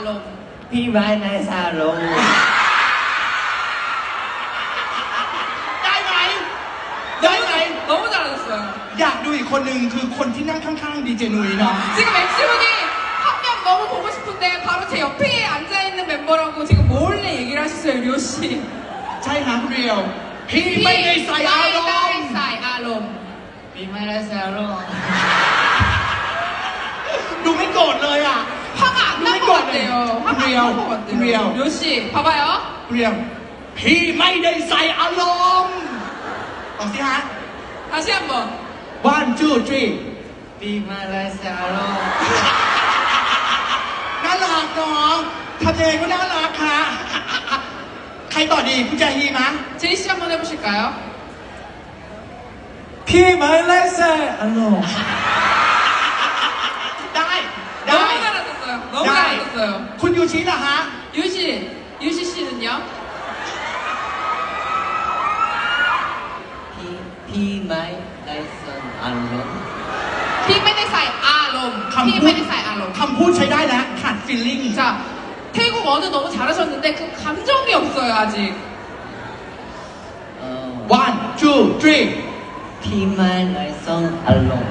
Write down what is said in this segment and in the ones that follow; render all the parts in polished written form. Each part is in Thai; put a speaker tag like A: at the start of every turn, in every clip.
A: ารมณ์
B: พี่ไม้ในซาลง
C: ได้ไหมได้ไหม
A: 너무 잘하셨어요.
C: อยากดูอีกคนหนึ่งคือคนที่นั่งข้างๆดีเจนุ้ยเนาะ
A: 지금 MC분이 한 명 너무 보고 싶은데 바로 제 옆에 앉아있는 멤버라고 지금 몰래 얘기를 하셨어요, 류호 씨.
C: ใช่ฮะคุณเรียวพี่ไม่ได้ใส่อารมณ์
A: 사이 아롬.
B: พี่ไม้ในซาลง
C: ดูไม่โกรธเลยอ่ะ
A: 화가 안 날 것 같아요. 화가 안 날 것 같아요.
C: 리얼.
A: 류호 씨, 봐봐요.
C: เรียวพี่ไม่ได้ใส่อารมณ์ต่อสิฮะ
A: 다시 한번.
C: 1 2 3
B: พี่ไม้ในซาลง
C: น่ารักเนาะทำยังไงก็น่ารักค่ะใครต่อดีคุณแจฮีมะ
A: 제이 씨 한번 해보실까요?
B: พี่ไม้ในซาลง
C: ได้ได้
A: 너무 잘하셨어요. 너무
C: ได้
A: 잘하셨어요.
C: คุณยูชิล่ะฮะ
A: 유시 씨는요?
B: พี่ไม้ในซาลง
A: 피메데사이 아롬.
C: คำพูด
A: 피메데사이 아롬.
C: คำพูดใช้ได้แล้วขาดฟีลลิ่ง
A: 자, 태국 어느 너무 잘하셨는데 그 감정이 없어요 아직.
C: 1 2 3
B: พี่ไม้ในซาลง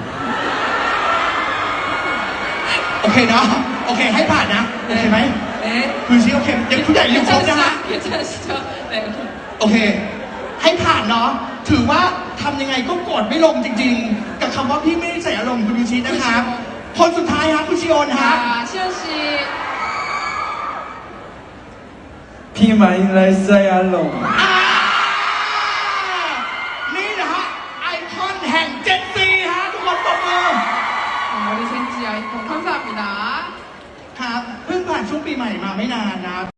C: โอเคเนาะโอเคให้ผ่านนะโอเคไหม
A: 네.
C: คือชิโอเคยังผู้ใหญ่ยังครบนะฮะ
A: 괜찮으시죠? 네.
C: โอเค ให้ผ่านเนาะถือว่าทำยังไงก็กดไม่ลงจริงๆ กับคำว่าพี่ไม่ได้ใส่อารมณ์คุณยูชินะครับ คนสุดท้ายฮะคุณชิโอนฮะ
A: 자, 시현 씨.
B: พี่ไม้ในซาลง
C: อ่านี่นะฮะไอคอนแห่งเจนซีฮะทุกคนตบมือ
A: 우리 젠지 아이콘 감사합니다.
C: ครับเพิ่งผ่านช่วงปีใหม่มาไม่นานนะครับ